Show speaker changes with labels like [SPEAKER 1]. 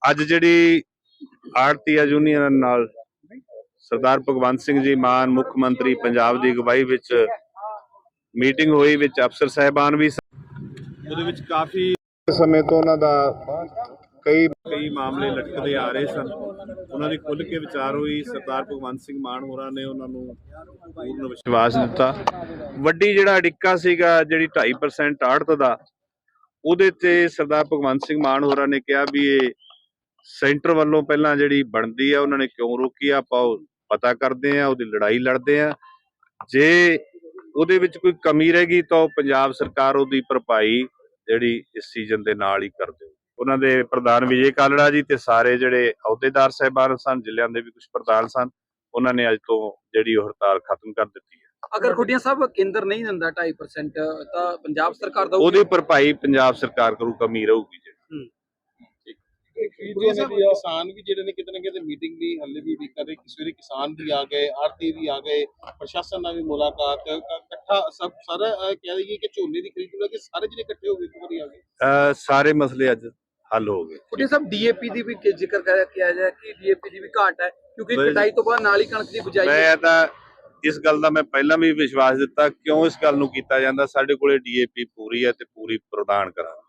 [SPEAKER 1] ਅੱਜ ਜਿਹੜੀ ਆੜਤੀਆ ਯੂਨੀਅਨ ਨਾਲ ਸਰਦਾਰ ਭਗਵੰਤ ਸਿੰਘ ਜੀ ਮਾਨ ਮੁੱਖ ਮੰਤਰੀ ਪੰਜਾਬ ਦੀ ਅਗਵਾਈ ਵਿੱਚ ਮੀਟਿੰਗ ਹੋਈ, ਵਿੱਚ ਅਫਸਰ ਸਾਹਿਬਾਨ ਵੀ ਉਹਦੇ ਵਿੱਚ ਕਾਫੀ ਸਮੇਂ ਤੋਂ ਉਹਨਾਂ ਦਾ ਕਈ ਮਾਮਲੇ ਲਟਕਦੇ ਆ ਰਹੇ ਸਨ। ਉਹਨਾਂ ਦੀ ਖੁੱਲ੍ਹ ਕੇ ਵਿਚਾਰ ਹੋਈ। ਸਰਦਾਰ ਭਗਵੰਤ ਸਿੰਘ ਮਾਨ ਹੋਰਾਂ ਨੇ ਉਹਨਾਂ ਨੂੰ ਪੂਰਨ ਵਿਸ਼ਵਾਸ ਦਿੱਤਾ। ਵੱਡੀ ਜਿਹੜਾ ਅੜਿੱਕਾ ਸੀਗਾ ਜਿਹੜੀ 2.5% ਆੜਤ ਦਾ, ਉਹਦੇ ਤੇ ਸਰਦਾਰ ਭਗਵੰਤ ਸਿੰਘ ਮਾਨ ਹੋਰਾਂ ਨੇ ਕਿਹਾ ਵੀ ਇਹ ਸੈਂਟਰ ਵੱਲੋਂ ਪਹਿਲਾਂ ਜਿਹੜੀ ਬਣਦੀ ਆ ਉਹਨਾਂ ਨੇ ਕਿਉਂ ਰੋਕੀ ਆ, ਆਪਾਂ ਉਹ ਪਤਾ ਕਰਦੇ ਆ, ਉਹਦੀ ਲੜਾਈ ਲੜਦੇ ਆ। ਜੇ ਉਹਦੇ ਵਿੱਚ ਕੋਈ ਕਮੀ ਰਹਿ ਗਈ ਤਾਂ ਉਹ ਪੰਜਾਬ ਸਰਕਾਰ ਉਹਦੀ ਭਰਪਾਈ ਜਿਹੜੀ ਇਸ ਸੀਜ਼ਨ ਦੇ ਨਾਲ ਹੀ ਕਰ ਦਿਓ। ਉਹਨਾਂ ਦੇ ਪ੍ਰਧਾਨ ਵਿਜੇ ਕਾਲੜਾ ਜੀ ਤੇ ਸਾਰੇ ਜਿਹੜੇ ਅਹੁਦੇਦਾਰ ਸਾਹਿਬਾਨ ਸਨ, ਜ਼ਿਲ੍ਹਿਆਂ ਦੇ ਵੀ ਕੁਝ ਪ੍ਰਧਾਨ ਸਨ, ਉਹਨਾਂ ਨੇ ਅੱਜ ਤੋਂ ਜਿਹੜੀ ਉਹ ਹੜਤਾਲ ਖਤਮ ਕਰ ਦਿੱਤੀ ਹੈ।
[SPEAKER 2] ਅਗਰ ਖੁੱਡੀਆਂ ਸਾਹਿਬ ਕੇਂਦਰ ਨਹੀਂ ਦਿੰਦਾ 2.5% ਤਾਂ ਪੰਜਾਬ ਸਰਕਾਰ ਦਾ
[SPEAKER 1] ਉਹਦੀ ਭਰਪਾਈ ਪੰਜਾਬ ਸਰਕਾਰ ਕਰੂ, ਕਮੀ ਰਹੂਗੀ ਜਿਹੜੀ।
[SPEAKER 3] किसान भी जिहड़े ने किते ना किते मीटिंग दी हल्ले भी उड़ीक कर रहे। सवेरे किसान भी आ गए, आड़ती भी आ गए, प्रशासन नाल भी मुलाकात इकट्ठा सब सारा कह रही है कि झोने दी खरीद लगे सारे जिहड़े इकट्ठे हो गए एक बारी आ गए।
[SPEAKER 1] सारे मसले अज हल हो गए।
[SPEAKER 2] ਖੁੱਡੀਆਂ ਸਾਹਿਬ ਡੀਏਪੀ ਦੀ ਵੀ ਜ਼ਿਕਰ ਕਿਹਾ ਜਾਏ ਕਿ ਡੀਏਪੀ ਦੀ ਵੀ ਘਾਟ ਹੈ ਕਿਉਂਕਿ ਕਟਾਈ ਤੋਂ ਬਾਅਦ ਨਾਲ ਹੀ ਕਣਕ ਦੀ ਬਿਜਾਈ।
[SPEAKER 1] ਮੈਂ ਤਾਂ ਇਸ ਗੱਲ ਦਾ ਮੈਂ ਪਹਿਲਾਂ ਵੀ ਵਿਸ਼ਵਾਸ ਦਿੱਤਾ, ਕਿਉਂ ਇਸ ਗੱਲ ਨੂੰ ਕੀਤਾ ਜਾਂਦਾ। ਸਾਡੇ ਕੋਲੇ ਡੀਏਪੀ ਪੂਰੀ ਹੈ ਤੇ ਪੂਰੀ ਪ੍ਰਦਾਨ ਕਰਾਂਗੇ।